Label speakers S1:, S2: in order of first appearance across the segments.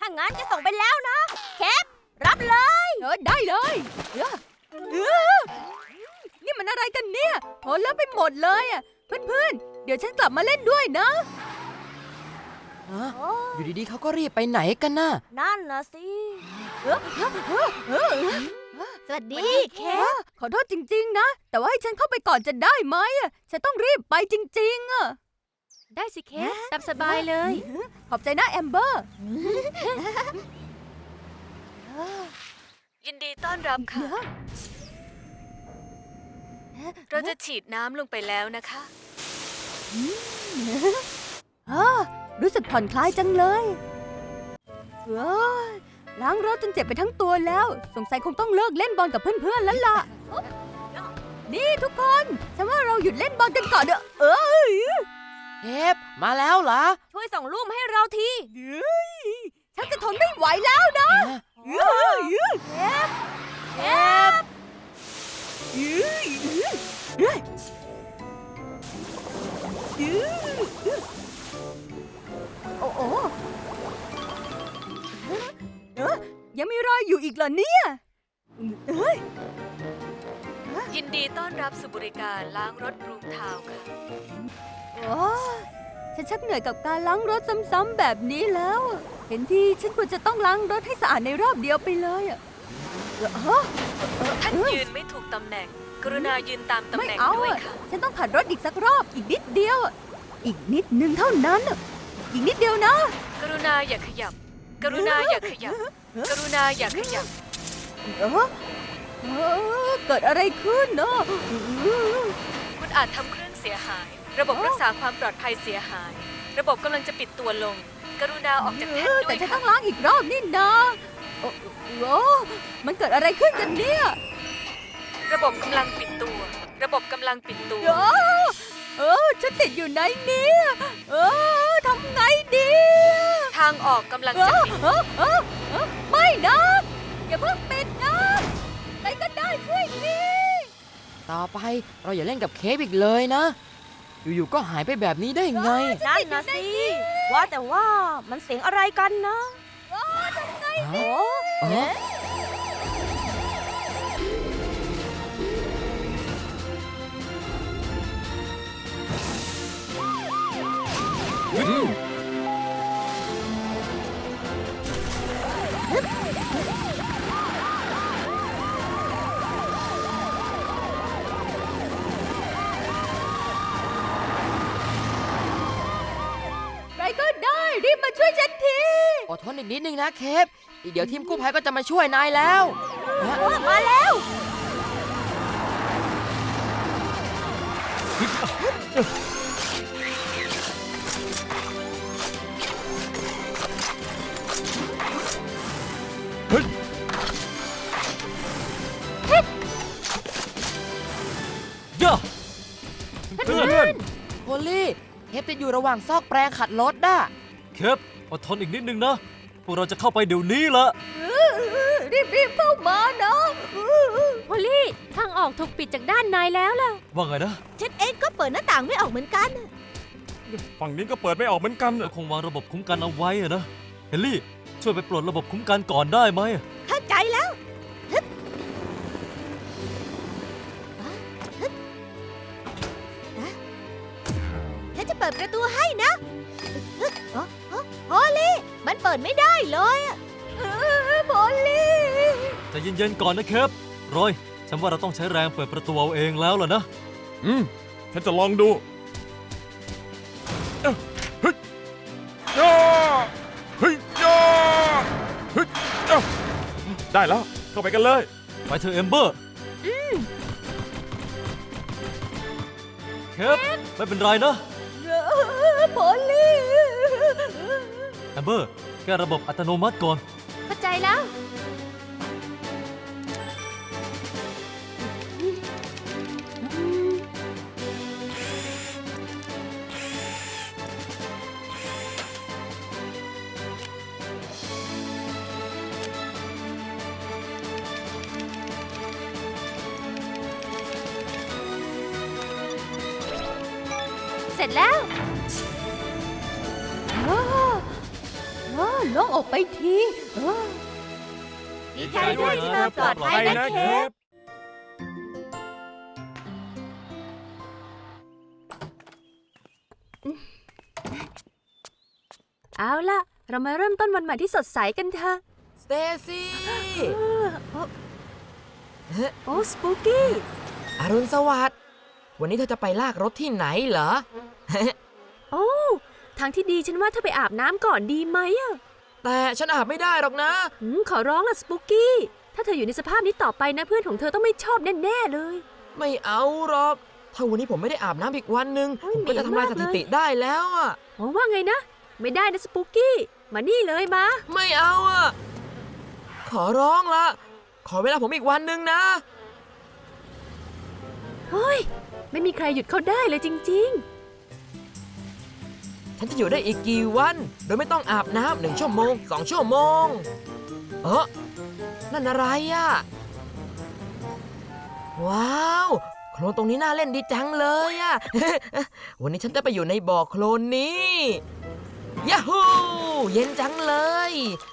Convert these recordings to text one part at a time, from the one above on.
S1: างั้นจะส่งไปแล้วนะแคปรับเลย
S2: ได้เลยนี่มันอะไรกันเนี่ยโหแล้วไปหมดเลยอ่ะเพื่อนๆเดี๋ยวฉันกลับมาเล่นด้วยนะ
S3: อยู่ดีๆเขาก็รีบไปไหนกันน่ะ
S1: นั่นนะสิสวัสดีแคป
S2: ขอโทษจริงๆนะแต่ว่าให้ฉันเข้าไปก่อนจะได้ไหมฉันต้องรีบไปจริงๆอ่ะ
S1: ได้สิแคปตามสบายเลย
S2: ขอบใจนะแอมเบอร์
S4: ยินดีต้อนรับค่ะ เราจะฉีดน้ำลงไปแล้วนะคะ
S2: รู้สึกผ่อนคลายจังเลยล้างรถจนเจ็บไปทั้งตัวแล้วสงสัยคงต้องเลิกเล่นบอลกับเพื่อนๆแล้วล่ะนี่ทุกคนฉันว่าเราหยุดเล่นบอลกันก่อนเถอะ
S3: เทปมาแล้วเหรอ
S1: ช่วยส่งรูปมาให้เราที
S2: ฉันจะทนไม่ไหวแล้วนะ
S1: แคป
S2: โอ้โหยังมีรอยอยู่อีกเหรอเนี่ย
S4: ยินดีต้อนรับสู่บริการล้างรถรูมทาวน์ค่ะ
S2: ฉันชักเหนื่อยกับการล้างรถซ้ำๆแบบนี้แล้วเห็นทีฉันควรจะต้องล้างรถให้สะอาดในรอบเดียวไปเลย
S4: ท่านยืนไม่ถูกตำแหน่งกรุณายืนตามตำแหน่งด้วยค่ะ
S2: ฉันต้องขัดรถอีกสักรอบอีกนิดเดียวอีกนิดนึงเท่านั้นอีกนิดเดียวนะ
S4: กรุณาอย่าขยับกรุณาอย่าขยับกรุณาอย่าขยับ
S2: เกิดอะไรขึ้นเนาะ
S4: คุณอาจทำเครื่องเสียหายระบบรักษาความปลอดภัยเสียหายระบบกำลังจะปิดตัวลงกรุณาออกจากแท่นด้วย
S2: แต่ฉันต้องล้างอีกรอบนี่นะโอ้มันเกิดอะไรขึ้นกันเนี่ย
S4: ระบบกำลังปิดตัวระบบกำลังปิดตัว
S2: ฉันติดอยู่ในนี้ทำไงดี
S4: ทางออกกำลังจะปิด
S2: ไม่นะอย่าเพิ่งปิดนะใครก็ได้ช่วยที
S3: ต่อไปเราอย่าเล่นกับเค้กอีกเลยนะอยู่ๆก็หายไปแบบนี้ได้ไง
S1: นั่นนะสิว่าแต่ว่ามันเสียงอะไรกันนะ
S2: ทำไง
S3: ดี
S2: ใครก็ได้รีบมาช่วยฉันที
S3: อดทนอีกนิดนึงนะเคปอีกเดี๋ยวทีมกู้ภัยก็จะมาช่วยนายแล้ว
S1: มาแล้ว
S3: ย่าเพื่อนโพลี่เคปติดอยู่ระหว่างซอกแปรงขัดรถน่ะ
S5: เคปอดทนอีกนิดนึงนะพวกเราจะเข้าไปเดี๋ยวนี้ละ
S2: รีบเข้ามานะ
S1: พอลลี่ทางออกถูกปิดจากด้านในแล้วล่ะ
S5: ว่าไงนะ
S1: ฉันเองก็เปิดหน้าต่างไม่ออกเหมือนกัน
S5: ฝั่งนี้ก็เปิดไม่ออกเหมือนกันคงวางระบบคุ้มกันเอาไว้นะเฮนรี่ช่วยไปปลดระบบคุ้มกันก่อนได้ไหม
S1: เข้าใจแล้วฉันจะเปิดประตูให้นะพอลลี่มันเปิดไม่ได้เลยพอลลี่
S5: ใจเย็นๆก่อนนะเคปรอยฉันว่าเราต้องใช้แรงเปิดประตูเอาเองแล้วล่ะนะ
S6: ฉันจะลองดูเฮ้ยได้แล้วเข้าไปกันเลย
S5: ไปเถอะเอมเบอร์เคปไม่เป็นไรนะ
S2: พอลลี่
S5: เอมเบอร์แก้ระบบอัตโนมัติก่อน
S1: เข้าใจแล้ว เสร็จแล้ว
S2: โล่งอกไปทีเออ
S1: ดีใจด้วยที่เธอปลอดภัยนะเคป
S4: เอาล่ะ เรามาเริ่มต้นวันใหม่ที่สดใสกันเถอะ
S3: สเตซี่
S4: โอ้สปูกี้
S3: อรุณสวัสดิ์วันนี้เธอจะไปลากรถที่ไหนเหรอ
S4: โอ้ทางที่ดีฉันว่าเธอไปอาบน้ำก่อนดีไหมอะ
S3: แต่ฉันอาบไม่ได้หรอกนะ
S4: ขอร้องล่ะสปูกี้ ถ้าเธออยู่ในสภาพนี้ต่อไปนะเพื่อนของเธอต้องไม่ชอบแน่ๆเลย
S3: ไม่เอาหรอก ถ้าวันนี้ผมไม่ได้อาบน้ำอีกวันหนึ่ง
S4: โอ้ย
S3: ผมก็จะทำลาย
S4: เหม็นมาก
S3: สถิติได้แล้วอ่ะ
S4: หวังว่าไงนะ ไม่ได้นะสปูกี้ มานี่เลยมา
S3: ไม่เอาอ่ะ ขอร้องละ ขอเวลาผมอีกวันหนึ่งนะ
S4: เฮ้ย ไม่มีใครหยุดเขาได้เลยจริง
S3: ฉันจะอยู่ได้อีกกี่วัน โดยไม่ต้องอาบน้ำ1 ชั่วโมง 2 ชั่วโมง นั่นอะไรอ่ะ ว้าวโคลนตรงนี้น่าเล่นดีจังเลยอ่ะ วันนี้ฉันจะไปอยู่ในบ่อโคลนนี้ยาฮูเย็นจังเลย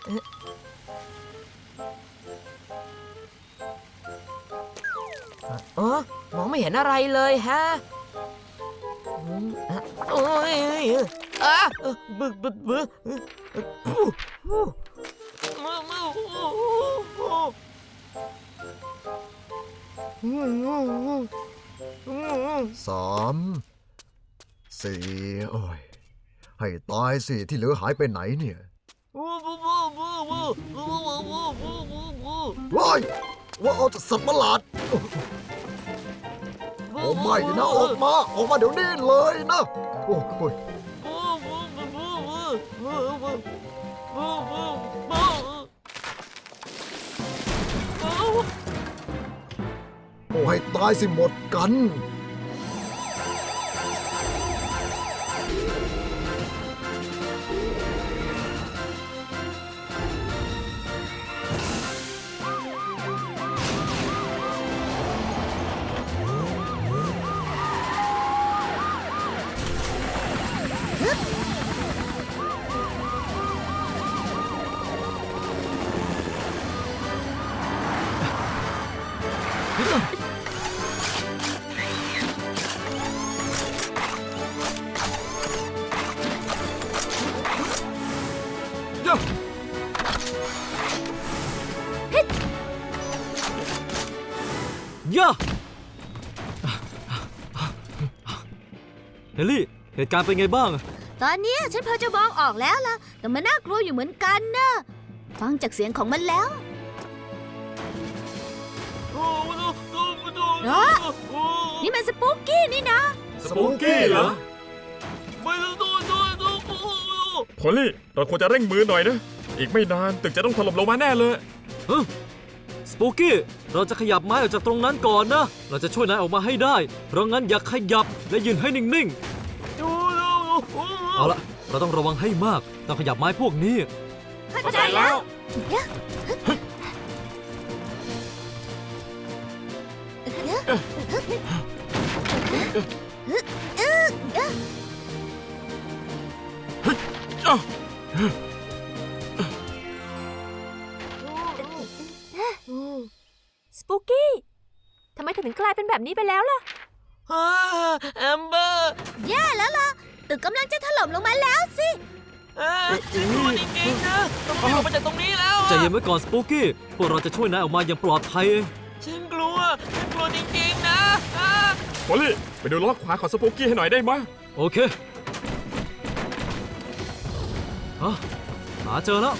S3: มองไม่เห็นอะไรเลยฮะโอ้ยบึก
S7: 3 4 โอ้ย ให้ตายสิที่เหลือหายไปไหนเนี่ยว้ายว่าเอาจากสัตว์ประหลาด โอ้ไม่นะ ออกมาเดี๋ยวนี้เลยนะ โอ้ยโอ้ให้ตายสิหมดกัน
S5: ย่าเฮลลี่ เหตุการณ์เป็นไงบ้าง
S1: ตอนเนี้ยฉันพอจะมองออกแล้วล่ะ แต่มันน่ากลัวอยู่เหมือนกันนะฟังจากเสียงของมันแล้วนี่มันสปูกกี้นี่นะ
S6: สปูกี้เหรอพอลลี่ เราควรจะเร่งมือหน่อยนะ อีกไม่นานตึกจะต้องถล่มลงมาแน่เลย
S5: สปูกี้ เราจะขยับไม้ออกจากตรงนั้นก่อนนะ เราจะช่วยนายออกมาให้ได้ เพราะงั้นอย่าขยับและยืนให้นิ่งๆ เอาละเราต้องระวังให้มาก ต้องขยับไม้พวกนี้
S1: เข้าใจแล้ว
S4: ๆ สปูกี้ ทำไมเธอถึงกลายเป็นแบบนี้ไปแล้วล่ะ
S3: แอมเบอร์
S1: แย่แล้วล่ะ ตึกกำลังจะถล่มลงมาแล้วสิ
S3: ฉันกลัวจริงๆนะต้องออกมาจากตรงนี้แล้ว
S5: ใจเย็นไว้ก่อนสปูกี้ พวกเราจะช่วยนายออกมาอย่างปลอดภัยเอง
S3: ฉันกลัวจริงๆนะ
S6: พอลลี่ ไปดูล้อขวาของสปูกี้ให้หน่อยได้ไหมย
S5: โอเคหาเจอแล้ว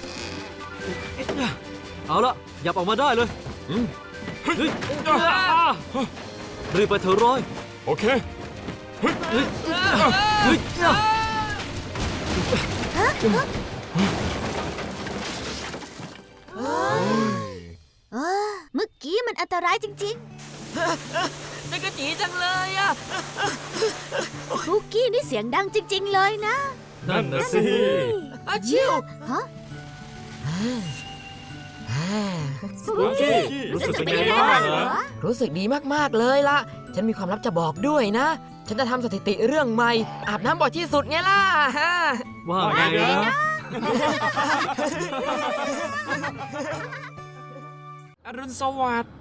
S5: เอาละหยับออกมาได้เลย เฮ้ยรีบไปเถอะร้อย
S6: โอเค
S5: เฮ้ย
S1: เมื่อกี้มันอันตรายจริง
S3: นี่ก็จีจังเลยอ่ะ
S1: ๆสปูกกี้นี่เสียงดังจริง ๆ เลยนะ
S5: นั่นนะสิ
S3: อาชิว
S1: ฮะ
S5: สปูกี้ รู้สึกเป็นไงบ้างเหรอ
S3: รู้สึกดีมากๆเลยล่ะ ฉันมีความลับจะบอกด้วยนะ ฉันจะทำสถิติเรื่องใหม่ อาบน้ำบ่อยที่สุดไงล่ะ
S5: ว่าไงนะอรุณสวัสดิ์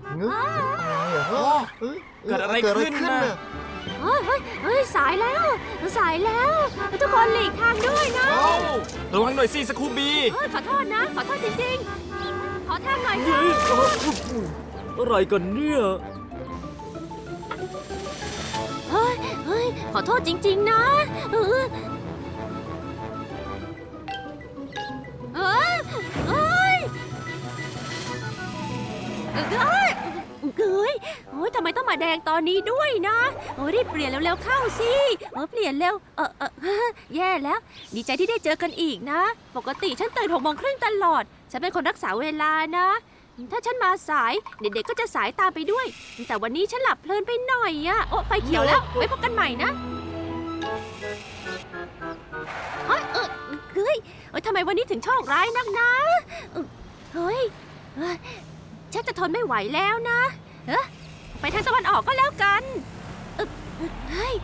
S5: เกิดอะไรขึ้นน่ะ
S2: เฮ้ย สายแล้ว สายแล้ว ทุกคนหลีกทางด้วยนะ
S5: เอ้าระวังหน่อยสิสคูบี
S2: ขอโทษนะ ขอโทษจริงๆ ขอทางหน่อย
S5: อะไรกันเนี่ย
S2: เฮ้ย ขอโทษจริงๆนะเอ้ยโอ้ยทำไมต้องมาแดงตอนนี้ด้วยนะโอ้ยรีบเปลี่ยนเร็วๆเข้าสิเปลี่ยนเร็วแย่แล้ว ดีใจที่ได้เจอกันอีกนะ ปกติฉันตื่น6:30ตลอด ฉันเป็นคนรักษาเวลานะ ถ้าฉันมาสายเด็กๆก็จะสายตามไปด้วย แต่วันนี้ฉันหลับเพลินไปหน่อยอะโอ้ไฟเขียวแล้ว ไว้พบกันใหม่นะเฮ้ยทำไมวันนี้ถึงโชคร้ายนักนะเฮ้ยฉันจะทนไม่ไหวแล้วนะไปทางตะวันออกก็แล้วกันเฮ้ย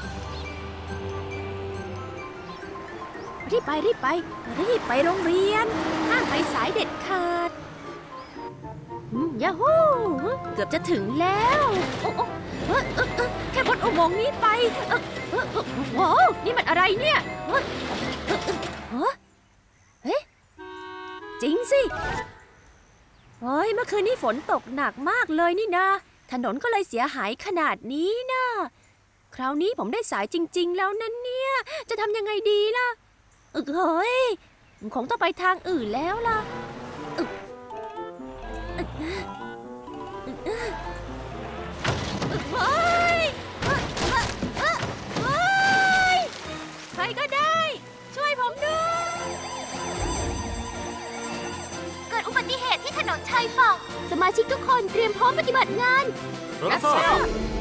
S2: รีบไปโรงเรียนห้ามไปสายเด็ดขาดยาฮูเกือบจะถึงแล้วแค่พ้นอุโมงค์นี้ไปโว้นี่มันอะไรเนี่ยเฮ้ยจริงสิเฮ้ยเมื่อคืนนี้ฝนตกหนักมากเลยนี่นะถนนก็เลยเสียหายขนาดนี้นะคราวนี้ผมได้สายจริงๆแล้วนั่นเนี่ยจะทำยังไงดีล่ะเฮ้ยคงต้องไปทางอื่นแล้วล่ะเฮ้ยใครก็ได้ ช่วยผมด้วย
S1: เกิดอุบัติเหตุที่ถนนชายฝั่งสมาชิกทุกคนเตรียมพร้อมปฏิบัติงาน
S5: รับทราบ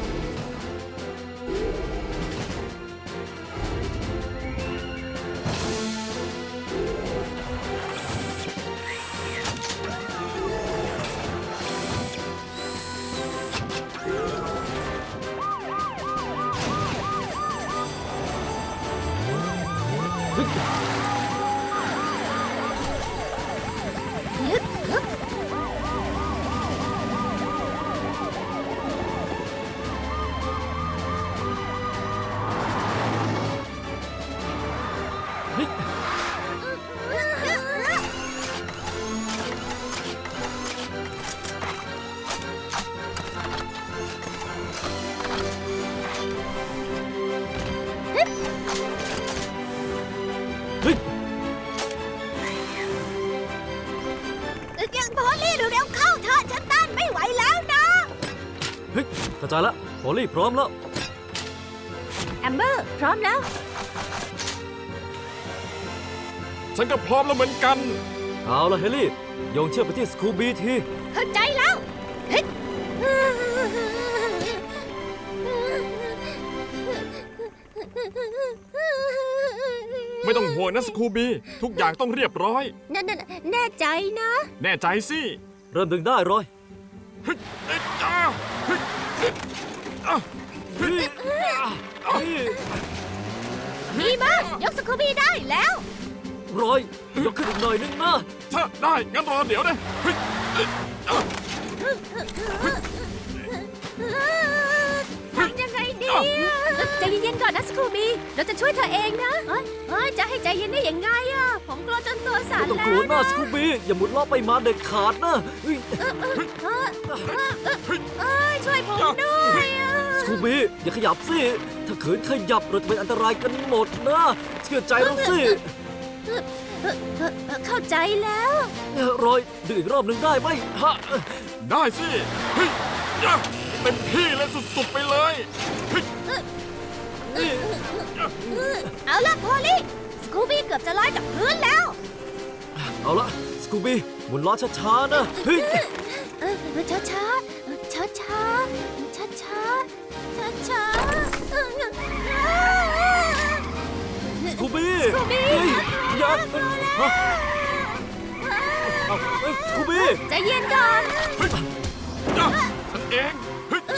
S1: ยังพอลี่เร็วๆเข้าเถอะฉันต้านไม่ไหวแล้วนะ
S5: เข้าใจละพอลลี่พร้อมแล้ว
S2: แอมเบอร์พร้อมแล้ว
S6: ฉันก็พร้อมแล้วเหมือนกัน
S5: เอาละเฮลี่โยงเชือกไปที่สคูบีที
S1: เข้าใจแล้วเฮ้ย
S6: ไม่ต้องห่วงนะสคูบี ทุกอย่างต้องเรียบร้อย
S2: แน่ใจนะ
S6: แน่ใจสิ
S5: เริ่มดึงได้รอย
S6: เฮ้ยเอ้ยจ้าเฮ้ยเอ้ยอ้าวเฮ้ยอ้าว
S1: มีมายกสกูบี้ได้แล้ว
S5: รอยยกขึ้นอีกหน่อยนึงนะ
S6: ถ้าได้ งั้นรอเดี๋ยวนะเฮ้ยเอ้ยอ้าว
S2: ทำยังไงดีใจเย็นๆก่อนนะสคูบีเราจะช่วยเธอเองนะจะให้ใจเย็นได้ยังไงอะผมกลัวจนตัวสั่น
S5: ไม่ต้อง
S2: แล้
S5: กลัว
S2: ว
S5: หน้าสคูบีอย่าหมุนล้อไปมาเด็ดขาดนะเฮ้ย
S2: ช่วยผมด้วยอะ
S5: สคูบีอย่าขยับสิถ้าขืนขยับเราจะเป็นอันตรายกันหมดนะเชื่อใจเราสิ
S2: เข้าใจแล้ว
S5: รอยดึงอีกรอบหนึ่งได้ไหมฮะ
S6: ได้สิ เฮ้ยย่าเต็มที่เลยสุดๆไปเลยเฮ้ย
S1: เอาล่ะพอลี่สกูบี้เกือบจะลอยจากพื้นแล้ว
S5: เอาละสกูบีหมุนล้อช้าๆนะเฮ้ย
S2: ช้าช้าช้าช้าช้าช้าช้าช้า
S5: สกูบี
S2: สกูบี้
S5: เฮ้ยอย่าฮะเอาเฮ้ยสกูบี
S2: ใจเย็นก่อน
S6: เฮ้ยย่าฉันเองเฮ้ย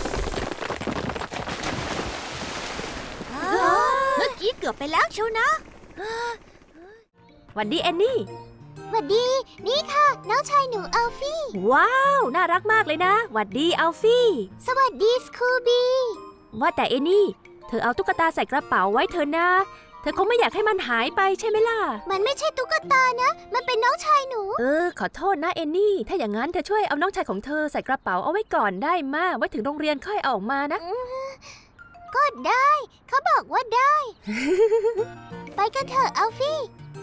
S1: เมื่อกี้เกือบไปแล้วเชียวนะ
S2: หวัดดีแอนนี่
S1: หวัดดี นี่ค่ะ น้องชายหนูอัลฟี่
S2: ว้าว น่ารักมากเลยนะหวัดดีอัลฟี่
S1: สวัสดีสคูบี้
S2: ว่าแต่เอนนี่ เธอเอาตุ๊กตาใส่กระเป๋าไว้เถอะนะ เธอคงไม่อยากให้มันหายไปใช่ไหมล่ะ
S1: มันไม่ใช่ตุ๊กตานะ มันเป็นน้องชายหนู
S2: ขอโทษนะเอนนี่ ถ้าอย่างนั้นเธอช่วยเอาน้องชายของเธอใส่กระเป๋าเอาไว้ก่อนได้มาไว้ถึงโรงเรียนค่อยเอาออกมานะ
S1: ก็ได้ เขาบอกว่าได้ ไปกันเถอะอัลฟี่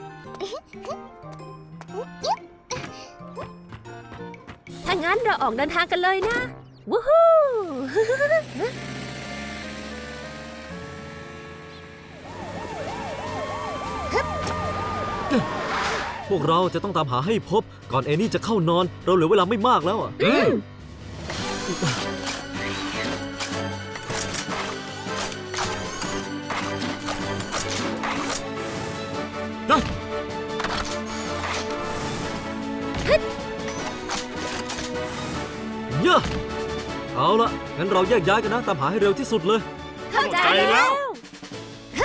S2: ถ้างั้นเราออกเดินทางกันเลยนะวู้ฮู้
S5: พวกเราจะต้องตามหาให้พบก่อนเอนี่จะเข้านอน เราเหลือเวลาไม่มากแล้วอ่ะ เยอะเอาละงั้นเราแยกย้ายกันนะ ตามหาให้เร็วที่สุดเลย
S2: เข้าใจ
S6: เข้าใจแล้
S2: แล้ว
S6: ว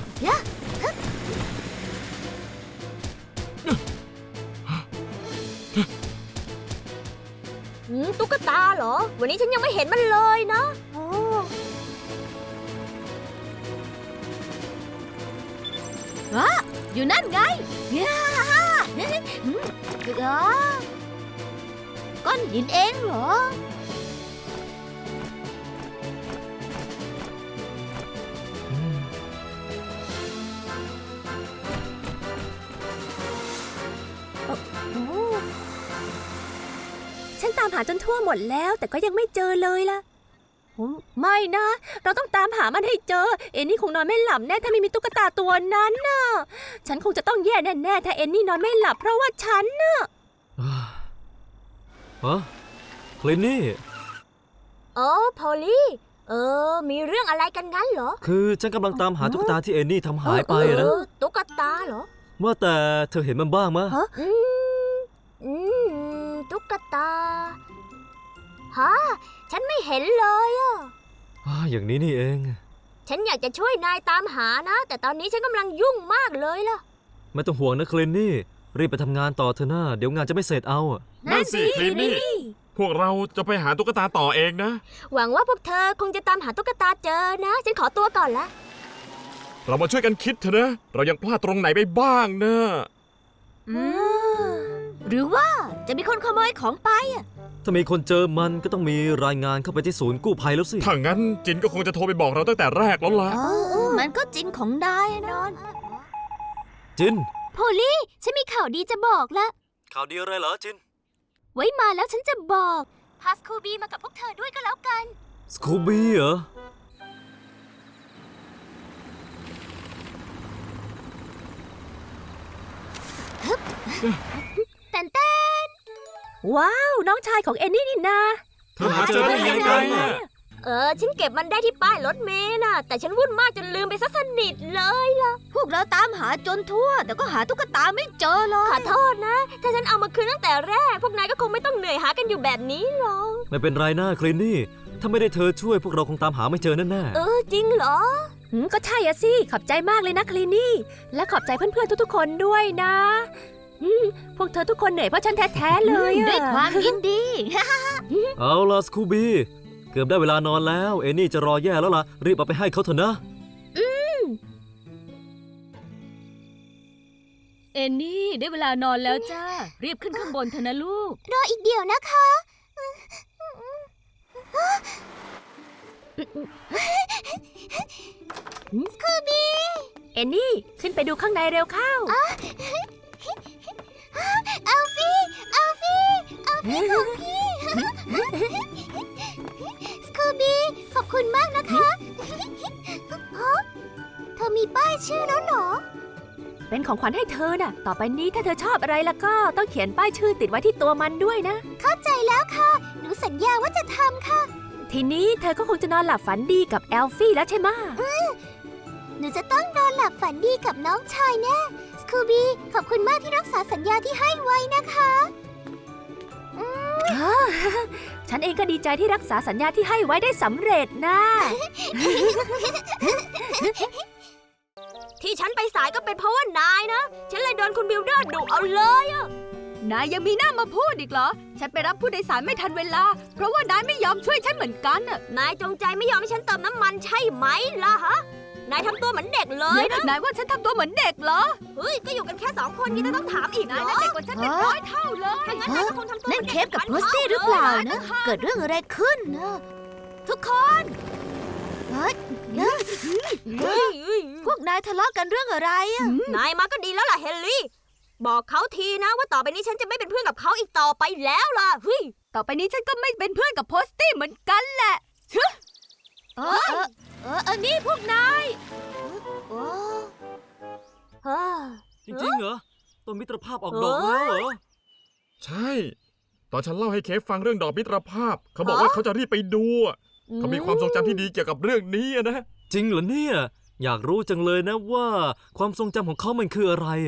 S1: ตุ๊กตาเหรอ วันนี้ฉันยังไม่เห็นมันเลยนะอยู่นั่นไงก้อนหินเองเหรอ
S2: ฉันตามหาจนทั่วหมดแล้ว แต่ก็ยังไม่เจอเลยล่ะไม่นะ เราต้องตามหามันให้เจอ เอนนี่คงนอนไม่หลับแน่ถ้าไม่มีตุ๊กตาตัวนั้นน่ะ ฉันคงจะต้องแย่แน่ๆถ้าเอนนี่นอนไม่หลับเพราะว่าฉันน่ะ
S5: ฮะคลินนี่
S1: โอ้พอลลี่ มีเรื่องอะไรกันงั้นเหรอ
S5: คือฉันกำลังตามหาตุ๊กตาที่เอนี่ทำหายไปนะ
S1: ตุ๊กตาเหรอ
S5: ว่าแต่เธอเห็นมันบ้างมะ
S1: ตุ๊กตา ฮะ ฉันไม่เห็นเลยอ่ะ
S5: อย่างนี้นี่เอง
S1: ฉันอยากจะช่วยนายตามหานะ แต่ตอนนี้ฉันกำลังยุ่งมากเลยล่ะ
S5: ไม่ต้องห่วงนะคลินนี่ รีบไปทำงานต่อเถอะนะเดี๋ยวงานจะไม่เสร็จเอาอะ
S6: นั่นสิคลินนี่ พวกเราจะไปหาตุ๊กตาต่อเองนะ
S1: หวังว่าพวกเธอคงจะตามหาตุ๊กตาเจอนะ ฉันขอตัวก่อนละ
S6: เรามาช่วยกันคิดเถอะนะ เรายังพลาดตรงไหนไปบ้างนะ
S1: หรือว่าจะมีคนขโมยของไปอ่ะ
S5: ถ้ามีคนเจอมันก็ต้องมีรายงานเข้าไปที่ศูนย์กู้ภัยแล้วสิ
S6: ถ้างั้นจินก็คงจะโทรไปบอกเราตั้งแต่แรกแล้วล่ะ
S1: มันก็จริงของนายนอน
S5: จิน
S1: โพลี่ฉันมีข่าวดีจะบอกละ
S5: ข่าวดีอะไรเหรอจิน
S1: ไว้มาแล้วฉันจะบอกพาสคูบีมากับพวกเธอด้วยก็แล้วกัน
S5: สคูบี้เหรอ
S1: แต่นเต้น
S2: ว้าว น้องชายของเอนนี่นี่นา
S6: เธอหาเจอได้ยังไงอะ
S1: ฉันเก็บมันได้ที่ป้ายรถเมล์น่ะ แต่ฉันวุ่นมากจนลืมไปซะสนิทเลยล่ะ พวกเราตามหาจนทั่ว แต่ก็หาตุ๊กตาไม่เจอเลย ขอโทษนะ ถ้าฉันเอามาคืนตั้งแต่แรก พวกนายก็คงไม่ต้องเหนื่อยหากันอยู่แบบนี้หรอก
S5: ไม่เป็นไรนะคลินนี่ ถ้าไม่ได้เธอช่วยพวกเราคงตามหาไม่เจอแน่
S1: จริงเหรอ
S2: ก็ใช่อะสิ ขอบใจมากเลยนะคลีนี่ และขอบใจเพื่อนๆทุกๆคนด้วยนะพวกเธอทุกคนเหนื่อยเพราะฉันแท้ๆเลยอะ
S1: ด้วยความยินดี
S5: ๆ เอาล่ะสคูบี้ เกือบได้เวลานอนแล้ว เอนี่จะรอแย่แล้วล่ะ รีบเอาไปให้เขาเถอะนะ
S8: เอนนี่ได้เวลานอนแล้วจ้า รีบขึ้นข้างบนเถอะนะลูก
S1: รออีกเดี๋ยวนะคะ สคูบี้
S2: เอนนี่ ขึ้นไปดูข้างในเร็วเข้า
S1: อัลฟี่ อัลฟี่ อัลฟี่ของพี่ สคูบี้ ขอบคุณมากนะคะเธอมีป้ายชื่อแล้วเหรอ
S2: เป็นของขวัญให้เธอน่ะ ต่อไปนี้ถ้าเธอชอบอะไรแล้วก็ต้องเขียนป้ายชื่อติดไว้ที่ตัวมันด้วยนะ
S1: เข้าใจแล้วค่ะ หนูสัญญาว่าจะทำค่ะ
S2: ทีนี้เธอก็คงจะนอนหลับฝันดีกับแอลฟี่แล้วใช่ไหมะ
S1: หนูจะต้องนอนหลับฝันดีกับน้องชายแน่ สคูบี้ ขอบคุณมากที่รักษาสัญญาที่ให้ไว้นะคะ
S2: ฉันเองก็ดีใจที่รักษาสัญญาที่ให้ไว้ได้สำเร็จนะ
S1: ที่ฉันไปสายก็เป็นเพราะว่านายนะ ฉันเลยโดนคุณบิลเดอร์ดุเอาเลยอะ
S2: นายยังมีหน้ามาพูดอีกเหรอ ฉันไปรับผู้โดยสารไม่ทันเวลา เพราะว่านายไม่ยอมช่วยฉันเหมือนกันน่ะ
S1: นายจงใจไม่ยอมให้ฉันเติมน้ำมันใช่ไหมล่ะฮะ นายทำตัวเหมือนเด็กเลยนะ
S2: นายว่าฉันทำตัวเหมือนเด็กเหรอ
S1: เฮ้ย ก็อยู่กันแค่2 คนยังจะต้องถามอีกเหร
S2: นาย
S1: อ
S2: น่ะเด็กกว่าฉันเป็นร้อยเท่าเลย
S1: ถ้างั้นนายก็คงทำตัว
S9: เล่นเคปกับโพสตี้หรือเปล่านะ เกิดเรื่องอะไรขึ้นนะทุกคนเฮ้ยพวกนายทะเลาะกันเรื่องอะไรอะ
S1: นายมาก็ดีแล้วล่ะเฮนรี่ บอกเขาทีนะว่าต่อไปนี้ฉันจะไม่เป็นเพื่อนกับเขาอีกต่อไปแล้วล่ะเฮ้ย
S2: ต่อไปนี้ฉันก็ไม่เป็นเพื่อนกับโพสตี้เหมือนกันแหละ
S9: นี่พวกนาย
S5: จริงๆเหรอต้นมิตรภาพออกดอกแล้วเหรอ
S6: ใช่ ตอนฉันเล่าให้เคฟฟังเรื่องดอกมิตรภาพ เขาบอกว่าเขาจะรีบไปดูอะเขามีความทรงจำที่ดีเกี่ยวกับเรื่องนี้อะนะ
S5: จริงเหรอเนี่ย อยากรู้จังเลยนะว่าความทรงจำของเขามันคืออะไรอะ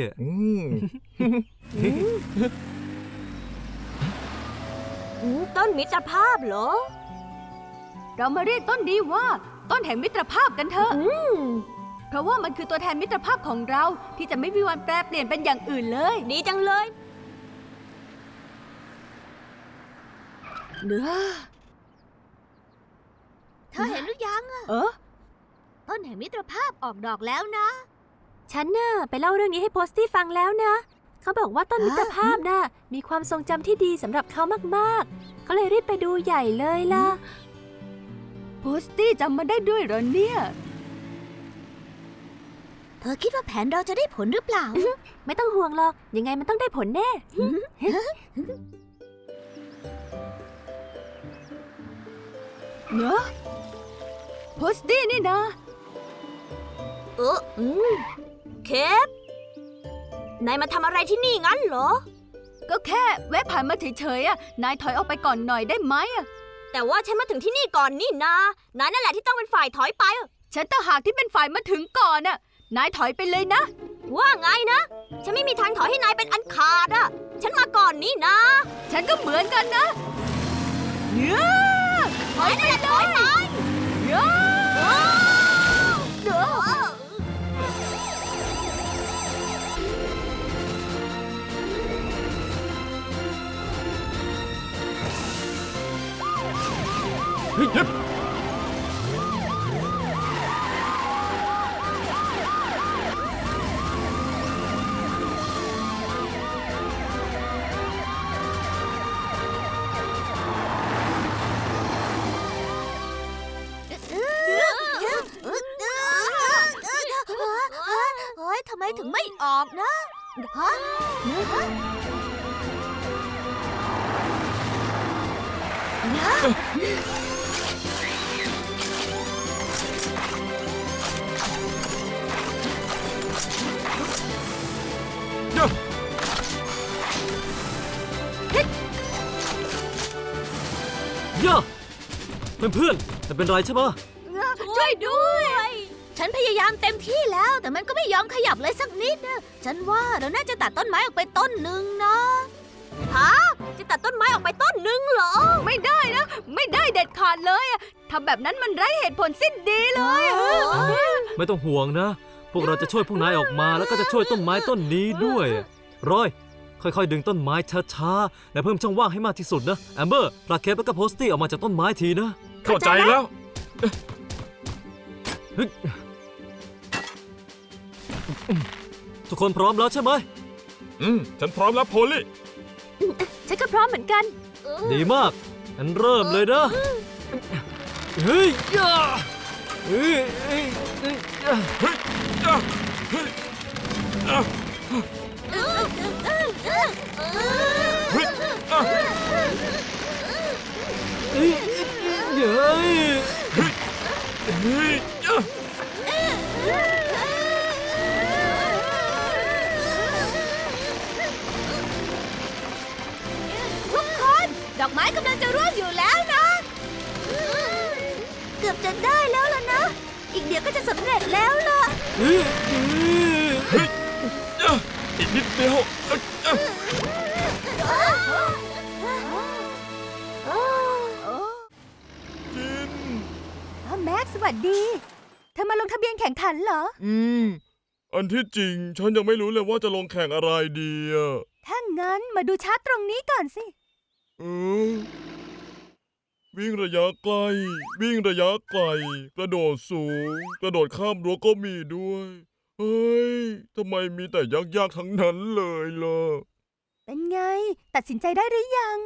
S1: ต้นมิตรภาพเหรอ
S2: เรามาเรียกต้นนี้ว่า ต้นแห่งมิตรภาพกันเถอะ เพราะว่ามันคือตัวแทนมิตรภาพของเราที่จะไม่มีวันแปรเปลี่ยนเป็นอย่างอื่นเลย
S1: ดีจังเลย
S2: เนื้อ
S9: เธอเห็นหรือยัง ต้นแห่งมิตรภาพออกดอกแล้วนะ
S2: ฉันน่ะไปเล่าเรื่องนี้ให้โพสตี้ฟังแล้วนะ เขาบอกว่าต้นมิตรภาพน่ะมีความทรงจำที่ดีสำหรับเขามากๆ เขาเลยรีบไปดูใหญ่เลยล่ะ โพสตี้จำมาได้ด้วยเหรอเนี่ย
S9: เธอคิดว่าแผนเราจะได้ผลหรือเปล่า
S2: ไม่ต้องห่วงหรอก ยังไงมันต้องได้ผลแน่ เนอะโพสตี้นี่นะ
S1: เคป นายมาทำอะไรที่นี่งั้นเหรอ
S2: ก็แค่แวะผ่านมาเฉยๆอ่ะ นายถอยออกไปก่อนหน่อยได้ไหมอ่ะ
S1: แต่ว่าฉันมาถึงที่นี่ก่อนนี่นานายนั่นแหละที่ต้องเป็นฝ่ายถอยไปอะ
S2: ฉันต่างหากที่เป็นฝ่ายมาถึงก่อนอ่ะ นายถอยไปเลยนะ
S1: ว่าไงนะ ฉันไม่มีทางถอยให้นายเป็นอันขาดอะฉันมาก่อนนี่นะ
S2: ฉันก็เหมือนกันนะเนื้อ
S1: ถอยนั่นแหละถอยไป
S2: เนื้อ
S6: เฮ้ย
S9: เฮ้ยทำไมถึงไม่ออกนะฮะ
S5: ย่าเพื่อนๆไม่เป็นไรใช่ปะ
S9: ช่วยด้วย ฉันพยายามเต็มที่แล้ว แต่มันก็ไม่ยอมขยับเลยสักนิดนะฉันว่าเราน่าจะตัดต้นไม้ออกไปต้นหนึ่งนะ
S1: ฮะ จะตัดต้นไม้ออกไปต้นหนึ่งเหรอ
S2: ไม่ได้นะ ไม่ได้เด็ดขาดเลยอะทำแบบนั้นมันไร้เหตุผลสิ้นดีเลยอะ
S5: ไม่ต้องห่วงนะ พวกเราจะช่วยพวกนายออกมาแล้วก็จะช่วยต้นไม้ต้นนี้ด้วยรอย ค่อยๆดึงต้นไม้ช้าๆและเพิ่มช่องว่างให้มากที่สุดนะแอมเบอร์พลาเคปแล้วก็โพสตี้ออกมาจากต้นไม้ทีนะ
S6: เข้าใจแล้ว
S5: ทุกคนพร้อมแล้วใช่ไหม
S6: ฉันพร้อมแล้วโพลี่
S2: ฉันก็พร้อมเหมือนกัน
S5: ดีมากงั้นเริ่มเลยนะเฮ้ยย่าเฮ้ยเฮ้ยเฮ้ยย่า
S6: เฮ้ยอ่ะเฮ้ยอ่ะเฮ้ยอ่ะ
S5: เฮ้ยเฮ้ย
S6: เฮ้ยอ่ะ
S9: ทุกคน ดอกไม้กำลังจะร่วงอยู่แล้วนะ เกือบจะได้แล้วล่ะนะ อีกเดี๋ยวก็จะสำเร็จแล้วล่ะ
S5: เฮ้ย
S6: เฮ้ยอ่ะอีกนิดเดียวอ่ะอ่ะ
S2: แม็กซ์สวัสดี เธอมาลงทะเบียนแข่งขันเหรอ
S9: อืม
S6: อันที่จริงฉันยังไม่รู้เลยว่าจะลงแข่งอะไรดีอะ
S2: ถ้างั้นมาดูชาร์ตตรงนี้ก่อนสิ
S6: เออวิ่งระยะไกล วิ่งระยะไกล กระโดดสูง กระโดดข้ามรั้วก็มีด้วย เฮ้ยทำไมมีแต่ยากๆทั้งนั้นเลยล่ะ
S2: เป็นไง ตัดสินใจได้หรือยัง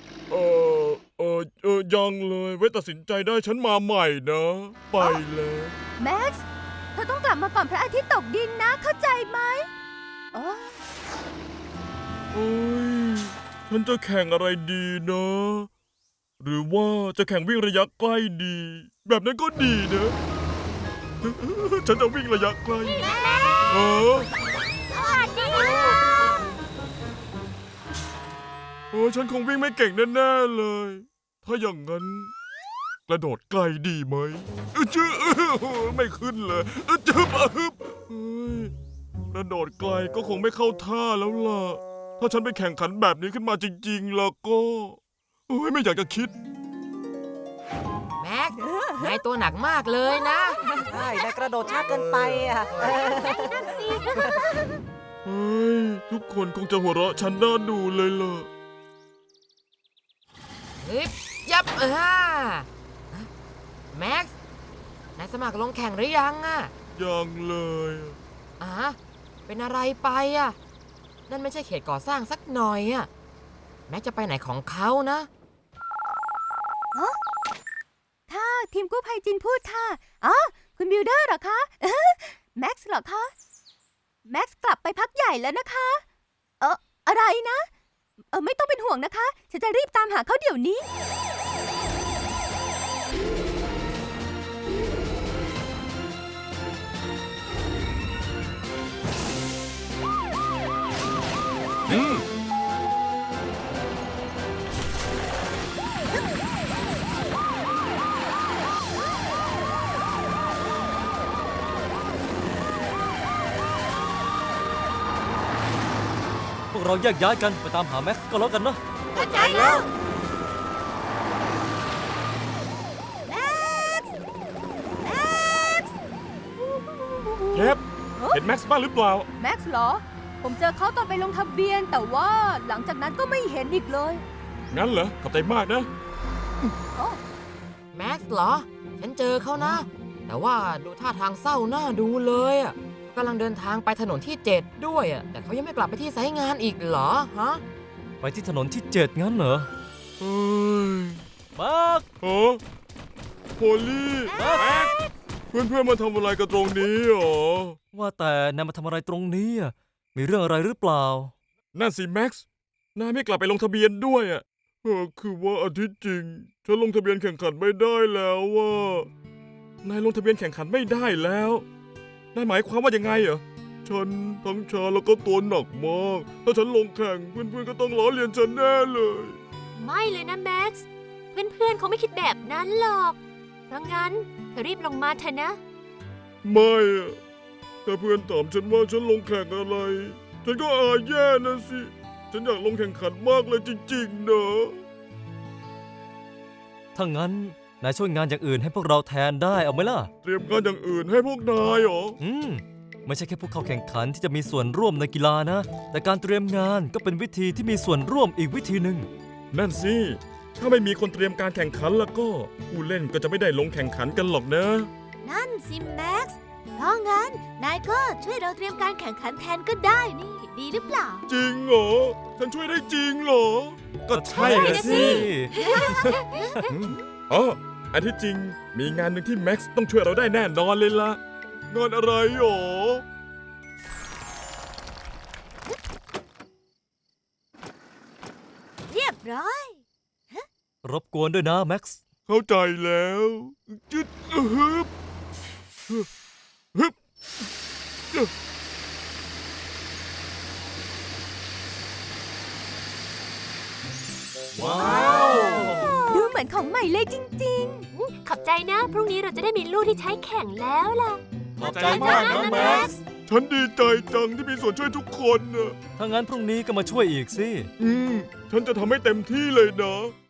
S6: ยังเลย ไว้ตัดสินใจได้ฉันมาใหม่นะ ไปแล้ว
S2: แม็กซ์ เธอต้องกลับมาก่อนพระอาทิตย์ตกดินนะ เข้าใจไหมอ๋อ
S6: เอ้ยฉันจะแข่งอะไรดีนะ หรือว่าจะแข่งวิ่งระยะใกล้ดี แบบนั้นก็ดีนะ ฉันจะวิ่งระยะใกล้เออฉันคงวิ่งไม่เก่งแน่ๆเลย ถ้าอย่างนั้น กระโดดไกลดีไหมจื้อไม่ขึ้นเลยจื้อเฮ้ยกระโดดไกลก็คงไม่เข้าท่าแล้วล่ะ ถ้าฉันไปแข่งขันแบบนี้ขึ้นมาจริงๆแล้วก็ไม่อยากจะคิด
S3: แม็กซ์นายตัวหนักมากเลยนะ
S10: ใช่นายกระโดดช้าเกินไปอ่ะ
S6: เฮ้ย ทุกคนคงจะหัวเราะฉันน่าดูเลยล่ะ
S3: ยับแม็กซ์นายสมัครลงแข่งหรือยังอะ
S6: ยังเลย
S3: เป็นอะไรไปอะนั่นไม่ใช่เขตก่อสร้างสักหน่อยอะแม็กซ์จะไปไหนของเขานะ
S2: ค่ะทีมกู้ภัยจินพูดค่ะอ๋อคุณบิลเดอร์เหรอคะ แม็กซ์เหรอคะ แม็กซ์กลับไปพักใหญ่แล้วนะคะ อะไรนะ ไม่ต้องเป็นห่วงนะคะ ฉันจะรีบตามหาเขาเดี๋ยวนี้
S5: พวกเราแยกย้ายกันไปตามหาแม็กซ์ก็แล้วกันนะ
S9: เข้าใจแล้ว
S6: เย็บเห็นแม็กซ์บ้างหรือเปล่า
S2: แม็กซ์เหรอ ผมเจอเขาตอนไปลงทะเบียน แต่ว่าหลังจากนั้นก็ไม่เห็นอีกเลย
S6: งั้นเหรอ ขอบใจมากนะ
S3: แม็กซ์เหรอ ฉันเจอเขานะ แต่ว่าดูท่าทางเศร้าหน้าดูเลยอะกำลังเดินทางไปถนนที่ 7 ด้วยอะแต่เขายังไม่กลับไปที่ไซต์งานอีกเหรอฮะ
S5: ไปที่ถนนที่ 7 งั้นเหรอ
S6: เฮ้ย
S5: มาร์ค
S6: โพลี่แม็กซ์เพื่อนๆมาทำอะไรกันตรงนี้หรอ
S5: ว่าแต่นายมาทำอะไรตรงนี้อะมีเรื่องอะไรหรือเปล่า
S6: นั่นสิแม็กซ์ นายไม่กลับไปลงทะเบียนด้วยอ่ะคือว่าอาทิตย์จริง ฉันลงทะเบียนแข่งขันไม่ได้แล้วว่านายลงทะเบียนแข่งขันไม่ได้แล้ว นายหมายความว่ายังไงเหรอ ฉันทั้งชาแล้วก็ตัวหนักมาก ถ้าฉันลงแข่งเพื่อนๆก็ต้องล้อเลียนฉันแน่เลย
S1: ไม่เลยนะแม็กซ์ เพื่อนๆเขาไม่คิดแบบนั้นหรอก เพราะงั้นเธอรีบลงมาเถอะนะ
S6: ไม่อะถ้าเพื่อนถามฉันว่าฉันลงแข่งอะไร ฉันก็อายแย่นะสิ ฉันอยากลงแข่งขันมากเลยจริงๆนะ
S5: ถ้างั้นนายช่วยงานอย่างอื่นให้พวกเราแทนได้เอาไหมล่ะ
S6: เตรียมงานอย่างอื่นให้พวกนายเหรอ
S5: ไม่ใช่แค่ผู้เข้าแข่งขันที่จะมีส่วนร่วมในกีฬานะ แต่การเตรียมงานก็เป็นวิธีที่มีส่วนร่วมอีกวิธีหนึ่ง
S6: นั่นสิ ถ้าไม่มีคนเตรียมการแข่งขันแล้วก็ผู้เล่นก็จะไม่ได้ลงแข่งขันกันหรอกนะ
S9: นั่นสิแม็กซ์ เพราะงั้น นายก็ช่วยเราเตรียมการแข่งขันแทนก็ได้นี่ ดีหรือเปล่า
S6: จริงเหรอ ฉันช่วยได้จริงเหรอ ก็ใช่
S5: นะ
S6: นะสิ อ๋ออันที่จริงมีงานหนึ่งที่แม็กซ์ต้องช่วยเราได้แน่นอนเลยล่ะ งานอะไรหรอ
S9: เรียบร้อย
S5: รบกวนด้วยนะแม็กซ์
S6: เข้าใจแล้วจึ๊ดฮึบฮึบว้าว
S2: ดูเหมือนของใหม่เลยจริง
S1: ขอบใจนะ พรุ่งนี้เราจะได้มีลูกที่ใช้แข่งแล้วล่ะ
S6: ขอบใจมากนะแม็กซ์ ฉันดีใจจังที่มีส่วนช่วยทุกคนนะ
S5: ถ้างั้นพรุ่งนี้ก็มาช่วยอีกสิ
S6: ฉันจะทำให้เต็มที่เลยนะ